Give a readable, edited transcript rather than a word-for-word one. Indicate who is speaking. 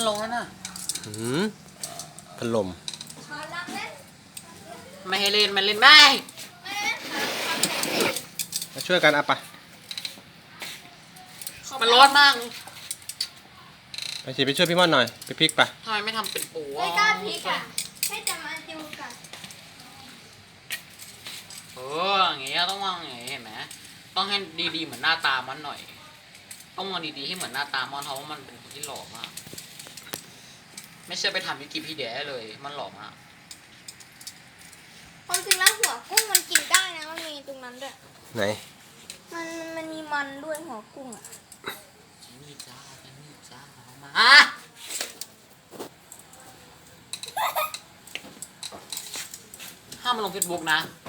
Speaker 1: ลงแล้วน่ะ
Speaker 2: พัดลม
Speaker 1: ไม่ให้เล่นมันเล่นไม่
Speaker 2: มาช่วยกันอ่ะปะ
Speaker 1: มันร้อนมาก
Speaker 2: ไปสิไปช่วยพี่ม่อนหน่อยไปพลิกปะ
Speaker 1: ทำไมไม่ทำเป็นปู
Speaker 3: ไม่กล้าพลิกอ่ะให้จะมาดูกัน
Speaker 1: อย่างเงี้ยต้องวางอย่างเงี้ยเห็นไหมต้องให้ดีๆเหมือนหน้าตามันหน่อยต้องวางดีๆให้เหมือนหน้าตามันเพราะว่ามันเป็นคนที่หล่อมากไม่ใช่ไปทำวิกิพีเดียเลยมันหล่อมาก
Speaker 3: ความจริงแล้วหัวกุ้งมันกินได้นะมันมีตรงนั้นด้วย
Speaker 2: ไหน
Speaker 3: มันมีมันด้วยหัวกุ้งอ่ะ
Speaker 1: นี่จ้าเอามาห้ามมาลงเฟซบุ๊กนะ